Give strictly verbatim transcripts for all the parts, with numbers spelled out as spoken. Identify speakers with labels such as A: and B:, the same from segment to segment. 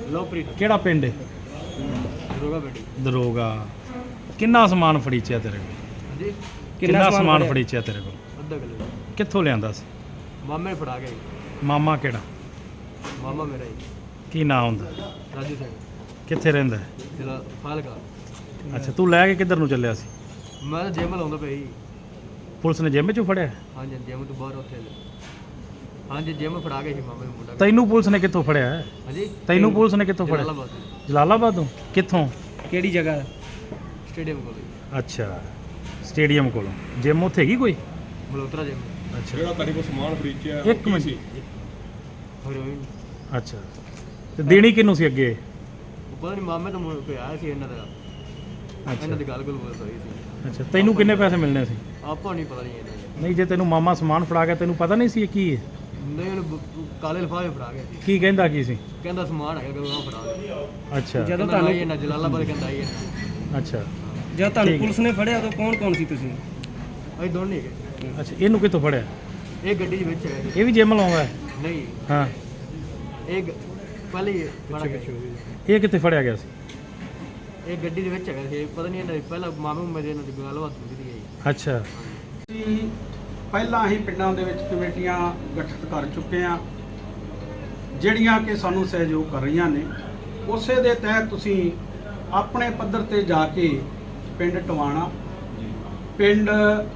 A: ਲੋਪ੍ਰੀਤ
B: ਕਿਹੜਾ ਪਿੰਡ ਹੈ?
A: ਦਰੋਗਾ ਬੇਟੀ
B: ਦਰੋਗਾ। ਕਿੰਨਾ ਸਮਾਨ ਫੜੀਚਿਆ ਤੇਰੇ ਕੋਲ?
A: ਹਾਂਜੀ
B: ਕਿੰਨਾ ਸਮਾਨ ਫੜੀਚਿਆ ਤੇਰੇ ਕੋਲ?
A: ਅੱਧਾ ਕਿਲੋ
B: ਕਿੱਥੋਂ ਲਿਆਂਦਾ ਸੀ?
A: ਮਾਮੇ ਨੇ ਫੜਾ ਗਿਆ ਜੀ।
B: ਮਾਮਾ ਕਿਹੜਾ?
A: ਮਾਮਾ ਮੇਰਾ ਜੀ
B: ਕੀ ਨਾਂ ਹੁੰਦਾ?
A: ਰਾਜੂ ਸਿੰਘ
B: ਕਿੱਥੇ ਰਹਿੰਦਾ ਹੈ?
A: ਜਿਹੜਾ ਫਾਲਕਾ।
B: ਅੱਛਾ, ਤੂੰ ਲੈ ਕੇ ਕਿੱਧਰ ਨੂੰ ਚੱਲਿਆ ਸੀ?
A: ਮੈਂ ਤਾਂ ਜਿਮ ਲਾਉਂਦਾ ਪਿਆ ਜੀ।
B: ਪੁਲਿਸ ਨੇ ਜਿੰਮ 'ਚੋਂ ਫੜਿਆ?
A: ਹਾਂਜੀ ਜਿਮ ਤੋਂ ਬਾਹਰ ਉੱਥੇ ਹਾਂਜੀ ਜਿਮ ਫੜਾ ਗਏ ਸੀ ਮਾਮੇ ਨੂੰ ਮੁੰਡਾ।
B: ਤੈਨੂੰ ਪੁਲਿਸ ਨੇ ਕਿੱਥੋਂ ਫੜਿਆ ਹੈ?
A: ਹਾਂਜੀ
B: ਤੈਨੂੰ ਪੁਲਿਸ ਨੇ ਕਿੱਥੋਂ ਫੜਿਆ?
A: ਜਲਾਲਾਬਾਦ
B: ਜਲਾਲਾਬਾਦੋਂ? ਕਿੱਥੋਂ?
A: ਕਿਹੜੀ ਜਗ੍ਹਾ? ਸਟੇਡੀਅਮ ਕੋਲ ਜੀ।
B: ਅੱਛਾ, ਸਟੇਡੀਅਮ ਕੋਲੋਂ। ਜਿਮ ਉੱਥੇ ਹੈਗੀ ਕੋਈ?
A: ਮਲੋਤਰਾ ਜਿਮ।
B: ਅੱਛਾ,
C: ਜਿਹੜਾ ਤੁਹਾਡੇ ਕੋਲ ਸਮਾਨ ਫੜੀਚਿਆ
B: ਇੱਕ ਮਿੰਟ।
A: ਹੈਰੋਇਨ।
B: ਅੱਛਾ, ਤੇ ਦੇਣੀ ਕਿਹਨੂੰ ਸੀ ਅੱਗੇ?
A: ਉਹ ਪਤਾ ਨਹੀਂ ਮਾਮੇ ਤੋਂ ਮੁੜ ਕੇ ਆਇਆ ਸੀ ਇਹਨਾਂ ਦਾ।
B: ਅੱਛਾ
A: ਇਹਨਾਂ ਦੀ ਗੱਲ ਗੁੱਲ ਬੋਲ ਰਹੀ ਸੀ।
B: ਅੱਛਾ, ਤੈਨੂੰ ਕਿੰਨੇ ਪੈਸੇ ਮਿਲਣੇ ਸੀ?
A: ਆਪਾਂ ਨਹੀਂ ਪਤਾ ਨਹੀਂ ਇਹਨਾਂ ਦਾ।
B: ਨਹੀਂ, ਜੇ ਤੈਨੂੰ ਮਾਮਾ ਸਮਾਨ ਫੜਾ ਗਿਆ ਤੈਨੂੰ ਪਤਾ ਨਹੀਂ ਸੀ ਇਹ ਕੀ ਹੈ?
A: ਨਹੀਂ ਉਹਨੂੰ ਬ- ਕਾਲੇ ਲਿਫਾਫੇ ਫੜਾ ਗਏ ਸੀ।
B: ਕੀ ਕਹਿੰਦਾ ਕੀ ਸੀ?
A: ਕਹਿੰਦਾ ਸਮਾਨ ਹੈਗਾ ਕਿ ਉਹ ਫੜਾ ਗਿਆ।
B: ਅੱਛਾ
A: ਜਦੋਂ ਤੁਹਾਨੂੰ ਇਹ ਨਾ ਜਲਾਲਾਬਾਦ ਕਹਿੰਦਾ ਆਈ ਹੈ।
B: ਅੱਛਾ
A: ਜਦ
B: ਤੁਹਾਨੂੰ
A: ਪੁਲਿਸ ਨੇ ਫੜਿਆ ਉਦੋਂ ਕੌਣ ਕੌਣ ਸੀ ਤੁਸੀਂ? ਅਸੀਂ ਦੋਨੇ ਹੈਗੇ।
B: ਅੱਛਾ, ਇਹਨੂੰ ਕਿੱਥੋਂ ਫੜਿਆ?
A: ਇਹ ਗੱਡੀ ਦੇ ਵਿੱਚ ਹੈ।
B: ਇਹ ਵੀ ਜਿਮ ਲਾਉਂਦਾ ਹੈ?
A: ਨਹੀਂ
B: ਹਾਂ।
A: ਇਹ ਗ- ਪਹਿਲੇ ਹੀ ਫੜਾ ਗਿਆ।
B: ਇਹ ਕਿੱਥੇ ਫੜਿਆ ਗਿਆ ਸੀ?
A: ਇਹ ਗੱਡੀ ਦੇ ਵਿੱਚ ਹੈਗਾ ਸੀ। ਪਤਾ ਨਹੀਂ ਇਹਨਾਂ ਦੀ ਪਹਿਲਾਂ ਮਾਮੂ ਮੇਰੇ ਨਾਲ ਗੱਲਬਾਤ ਹੁੰਦੀ ਸੀ ਜੀ।
B: ਅੱਛਾ,
D: ਅਸੀਂ ਪਹਿਲਾਂ ਹੀ ਪਿੰਡਾਂ ਦੇ ਵਿੱਚ ਕਮੇਟੀਆਂ ਗਠਿਤ ਕਰ ਚੁੱਕੇ ਹਾਂ ਜਿਹੜੀਆਂ ਕਿ ਸਾਨੂੰ ਸਹਿਯੋਗ ਕਰ ਰਹੀਆਂ ਨੇ। ਉਸੇ ਦੇ ਤਹਿਤ ਤੁਸੀਂ ਆਪਣੇ ਪੱਧਰ ਤੇ ਜਾ ਕੇ ਪਿੰਡ ਟਵਾਣਾ, ਪਿੰਡ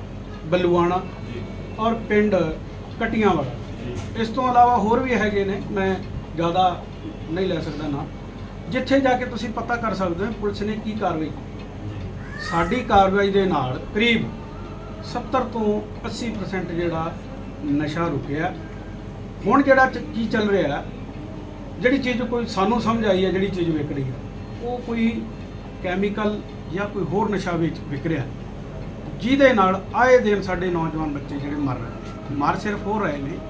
D: ਬਲੂਆਣਾ ਔਰ ਪਿੰਡ ਕਟੀਆਂ ਵਾਲਾ, ਇਸ ਤੋਂ ਇਲਾਵਾ ਹੋਰ ਵੀ ਹੈਗੇ ਨੇ, ਮੈਂ ਜ਼ਿਆਦਾ ਨਹੀਂ ਲੈ ਸਕਦਾ ਨਾ, ਜਿੱਥੇ ਜਾ ਕੇ ਤੁਸੀਂ ਪਤਾ ਕਰ ਸਕਦੇ ਹੋ ਪੁਲਿਸ ਨੇ ਕੀ ਕਾਰਵਾਈ ਕੀਤੀ। ਸਾਡੀ ਕਾਰਵਾਈ ਦੇ ਨਾਲ ਕਰੀਬ ਸੱਤਰ ਤੋਂ ਅੱਸੀ ਪਰਸੈਂਟ ਜਿਹੜਾ ਨਸ਼ਾ ਰੁਕਿਆ। ਹੁਣ ਜਿਹੜਾ ਚ- ਕੀ ਚੱਲ ਰਿਹਾ, ਜਿਹੜੀ ਚੀਜ਼ ਕੋਈ ਸਾਨੂੰ ਸਮਝ ਆਈ ਹੈ, ਜਿਹੜੀ ਚੀਜ਼ ਵਿਕ ਰਹੀ ਹੈ ਉਹ ਕੋਈ ਕੈਮੀਕਲ ਜਾਂ ਕੋਈ ਹੋਰ ਨਸ਼ਾ ਵਿੱਚ ਵਿਕ ਰਿਹਾ, ਜਿਹਦੇ ਨਾਲ ਆਏ ਦਿਨ ਸਾਡੇ ਨੌਜਵਾਨ ਬੱਚੇ ਜਿਹੜੇ ਮਰ ਰਹੇ ਮਰ ਸਿਰਫ ਹੋ ਰਹੇ ਨੇ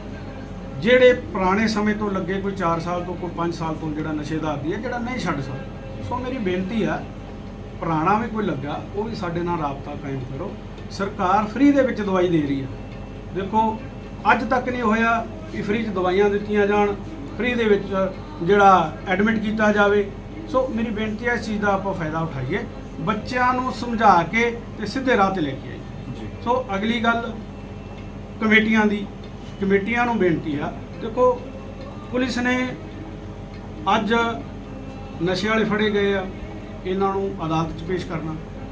D: ਜਿਹੜੇ ਪੁਰਾਣੇ ਸਮੇਂ ਤੋਂ ਲੱਗੇ, ਕੋਈ ਚਾਰ ਸਾਲ ਤੋਂ ਕੋਈ ਪੰਜ ਸਾਲ ਤੋਂ ਜਿਹੜਾ ਨਸ਼ੇ ਦਾ ਆਦੀ ਹੈ, ਜਿਹੜਾ ਨਹੀਂ ਛੱਡ ਸਕਦਾ। ਸੋ ਮੇਰੀ ਬੇਨਤੀ ਆ, ਪੁਰਾਣਾ ਵੀ ਕੋਈ ਲੱਗਾ ਉਹ ਵੀ ਸਾਡੇ ਨਾਲ ਰਾਬਤਾ ਕਾਇਮ ਕਰੋ। ਸਰਕਾਰ ਫ੍ਰੀ ਦੇ ਵਿੱਚ ਦਵਾਈ ਦੇ ਰਹੀ ਹੈ। ਦੇਖੋ ਅੱਜ ਤੱਕ ਨਹੀਂ ਹੋਇਆ ਕਿ ਫ੍ਰੀ 'ਚ ਦਵਾਈਆਂ ਦਿੱਤੀਆਂ ਜਾਣ, ਫ੍ਰੀ ਦੇ ਵਿੱਚ ਜਿਹੜਾ ਐਡਮਿਟ ਕੀਤਾ ਜਾਵੇ। ਸੋ ਮੇਰੀ ਬੇਨਤੀ ਹੈ ਇਸ ਚੀਜ਼ ਦਾ ਆਪਾਂ ਫਾਇਦਾ ਉਠਾਈਏ, ਬੱਚਿਆਂ ਨੂੰ ਸਮਝਾ ਕੇ ਤੇ ਸਿੱਧੇ ਰਾਹ ਤੇ ਲੈ ਕੇ ਆਈਏ। ਸੋ ਅਗਲੀ ਗੱਲ ਕਮੇਟੀਆਂ ਦੀ, ਕਮੇਟੀਆਂ ਨੂੰ ਬੇਨਤੀ ਆ, ਦੇਖੋ ਪੁਲਿਸ ਨੇ ਅੱਜ ਨਸ਼ੇ ਵਾਲੇ ਫੜੇ ਗਏ ਆ, ਇਹਨਾਂ ਨੂੰ ਅਦਾਲਤ 'ਚ ਪੇਸ਼ ਕਰਨਾ।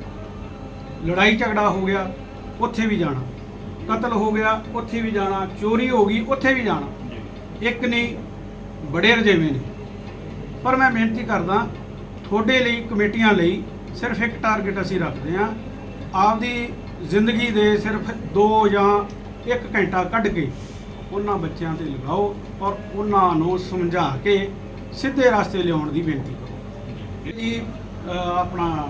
D: ਲੜਾਈ ਝਗੜਾ ਹੋ ਗਿਆ ਉੱਥੇ ਵੀ ਜਾਣਾ, ਕਤਲ ਹੋ ਗਿਆ ਉੱਥੇ ਵੀ ਜਾਣਾ, ਚੋਰੀ ਹੋ ਗਈ ਉੱਥੇ ਵੀ ਜਾਣਾ। ਇੱਕ ਨਹੀਂ ਬੜੇ ਰਜੇਵੇਂ ਨੇ। ਪਰ ਮੈਂ ਬੇਨਤੀ ਕਰਦਾ ਤੁਹਾਡੇ ਲਈ, ਕਮੇਟੀਆਂ ਲਈ ਸਿਰਫ ਇੱਕ ਟਾਰਗੇਟ ਅਸੀਂ ਰੱਖਦੇ ਹਾਂ, ਆਪਦੀ ਜ਼ਿੰਦਗੀ ਦੇ ਸਿਰਫ ਦੋ ਜਾਂ ਇੱਕ ਘੰਟਾ ਕੱਢ ਕੇ ਉਹਨਾਂ ਬੱਚਿਆਂ ਤੇ ਲਗਾਓ ਔਰ ਉਹਨਾਂ ਨੂੰ ਸਮਝਾ ਕੇ ਸਿੱਧੇ ਰਸਤੇ ਲਿਆਉਣ ਦੀ ਬੇਨਤੀ ਕਰੋ ਜੀ। ਅਹ ਆਪਣਾ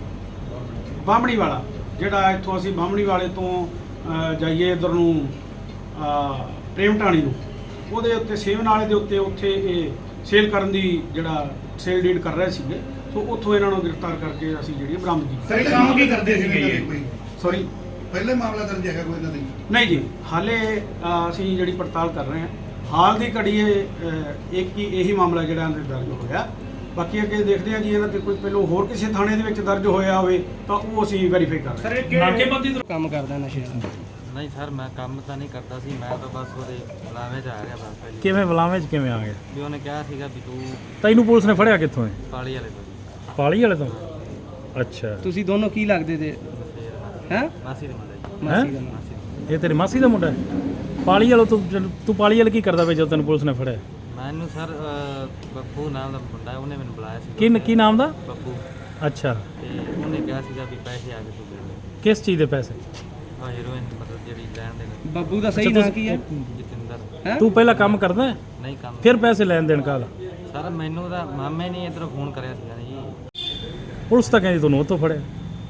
D: ਬਾਹਮਣੀ ਵਾਲਾ, ਜਿਹੜਾ ਇੱਥੋਂ ਅਸੀਂ ਬਾਹਮਣੀ ਵਾਲੇ ਤੋਂ ਅਹ ਜਾਈਏ ਇੱਧਰ ਨੂੰ ਅਹ ਪ੍ਰੇਮ ਢਾਣੀ ਨੂੰ, ਉਹਦੇ ਉੱਤੇ ਸੇਵ ਨਾਲੇ ਦੇ ਉੱਤੇ ਉੱਥੇ ਇਹ ਸੇਲ ਕਰਨ ਦੀ ਜਿਹੜਾ ਸੇਲ ਡੀਡ ਕਰ ਰਹੇ ਸੀਗੇ। ਸੋ ਉੱਥੋਂ ਇਹਨਾਂ ਨੂੰ ਗ੍ਰਿਫਤਾਰ ਕਰਕੇ ਅਸੀਂ ਜਿਹੜੀ ਬਰਾਮਦ ਕੀਤੀ।
E: ਸਰ ਕੰਮ ਕੀ ਕਰਦੇ ਸੀਗੇ ਇਹ?
D: ਸੌਰੀ,
E: ਪਹਿਲੇ ਮਾਮਲਾ ਦਰਜ ਹੈਗਾ ਕੋਈ ਇਹਨਾਂ ਦੇ?
D: ਨਹੀਂ ਜੀ, ਹਾਲੇ ਅਹ, ਅਸੀਂ ਜਿਹੜੀ ਪੜਤਾਲ ਕਰ ਰਹੇ ਹਾਂ। ਹਾਲ ਦੀ ਘੜੀ ਇਹ ਅਹ, ਇੱਕ ਹੀ ਇਹੀ ਮਾਮਲਾ ਜਿਹੜਾ ਇਹਨਾਂ ਦੇ ਦਰਜ ਹੋਇਆ। ਬਾਕੀ ਅੱਗੇ ਦੇਖਦੇ ਹਾਂ ਜੀ, ਇਹਨਾਂ ਤੇ ਕੋਈ ਪਹਿਲਾਂ ਹੋਰ ਕਿਸੇ ਥਾਣੇ ਦੇ ਵਿੱਚ ਦਰਜ ਹੋਇਆ ਹੋਵੇ ਤਾਂ ਉਹ ਅਸੀਂ ਵੈਰੀਫਾਈ ਕਰ ਰਹੇ ਹਾਂ।
B: ਨਾਕੇਬੰਦੀ ਤੋਂ
A: ਕੰਮ ਕਰਦਾ ਨਸ਼ੇ ਦਾ?
F: ਨਹੀਂ ਸਰ, ਮੈਂ ਕੰਮ ਤਾਂ ਨਹੀਂ ਕਰਦਾ ਸੀ, ਮੈਂ ਤਾਂ ਬਸ ਉਹਦੇ ਬੁਲਾਵੇ 'ਚ ਆ ਗਿਆ ਬਸ ਪਹਿਲੀ।
B: ਕਿਵੇਂ ਬੁਲਾਵੇਂ 'ਚ ਕਿਵੇਂ ਆ ਗਿਆ?
F: ਵੀ ਉਹਨੇ ਕਿਹਾ ਸੀਗਾ ਵੀ ਤੂੰ
B: ਤੈਨੂੰ ਪੁਲਿਸ ਨੇ ਫੜਿਆ ਕਿੱਥੋਂ ਹੈ?
F: ਪਾਲੀ ਵਾਲੇ ਤੋਂ ਜੀ।
B: ਪਾਲੀ ਵਾਲੇ ਤੋਂ? ਅੱਛਾ,
A: ਤੁਸੀਂ ਦੋਨੋਂ ਕੀ ਲੱਗਦੇ ਤੇ? ਹੈ
F: ਮਾਸੀ ਦੇ ਮੁੰਡੇ ਜੀ।
A: ਮਾਸੀ ਦਾ
F: ਮਾਸੀ ਦੇ।
B: ਇਹ ਤੇਰੀ ਮਾਸੀ ਦਾ ਮੁੰਡਾ ਹੈ? ਪਾਲੀ ਵਾਲਾ ਤੂੰ ਤੂੰ ਪਾਲੀ ਵਾਲਾ ਕੀ ਕਰਦਾ ਵੇ ਜਦੋਂ ਤੈਨੂੰ ਪੁਲਿਸ ਨੇ ਫੜਿਆ?
F: ਮੈਨੂੰ ਸਰ ਅਹ, ਬੱਬੂ ਨਾਮ ਦਾ ਮੁੰਡਾ ਹੈ, ਉਹਨੇ ਮੈਨੂੰ ਬੁਲਾਇਆ ਸੀ।
B: ਕੀ ਕੀ ਨਾਮ ਦਾ?
F: ਬੱਬੂ।
B: ਅੱਛਾ,
F: ਤੇ ਉਹਨੇ ਕਿਹਾ ਸੀਗਾ ਵੀ ਪੈਸੇ ਆ ਕੇ ਤੂੰ ਦੇ ਦੇ।
B: ਕਿਸ ਚੀਜ਼ ਦੇ ਪੈਸੇ?
F: ਆ ਹੀਰੋਇਨ ਮਤਲਬ ਜਿਹੜੀ ਲੈਣ ਦੇ ਨੇ।
A: ਬੱਬੂ ਦਾ ਸਹੀ
B: ਅੱਛਾ,
A: ਨਾਂ
B: ਤੁਸੀਂ-
A: ਕੀ ਹੈ?
F: ਜਤਿੰਦਰ।
A: ਹੈਂ?
B: ਤੂੰ ਪਹਿਲਾਂ ਕੰਮ ਕਰਦਾ ਹੈ?
F: ਨਹੀਂ ਕੰਮ
B: ਫਿਰ ਪੈਸੇ ਲੈਣ ਦੇਣ ਕਾਹਦਾ?
F: ਸਰ ਮੈਨੂੰ ਤਾਂ ਮਾਮੇ ਨੇ ਇੱਧਰੋਂ ਫੋਨ ਕਰਿਆ ਸੀਗਾ ਜੀ।
B: ਪੁਲਿਸ ਤਾਂ ਕਹਿੰਦੀ ਤੁਹਾਨੂੰ ਉੱਥੋਂ ਫੜਿਆ।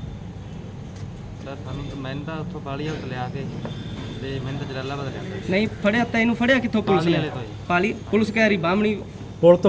F: ਸਰ ਸਾਨੂੰ ਤਾਂ ਮੈਨੂੰ ਤਾਂ ਉੱਥੋਂ ਪਾਲੀ ਵਾਲੇ ਤੋਂ ਲਿਆ ਕੇ ਤੇ ਮੈਨੂੰ ਤਾਂ ਜਲਾਲਾਬਾਦ ਲਿਆਂਦਾ ਸੀ।
A: ਨਹੀਂ ਫੜਿਆ, ਤੈਨੂੰ ਫੜਿਆ ਕਿੱਥੋਂ ਪੁਲਿਸ
F: ਪਾਲੀ
A: ਨੇ?
F: ਵਾਲੇ ਤੋਂ ਜੀ।
A: ਪਾਲੀ ਪੁਲਿਸ ਕਹਿ ਰਹੀ ਬਾਹਮਣੀ
B: ਪੁਲਿਸ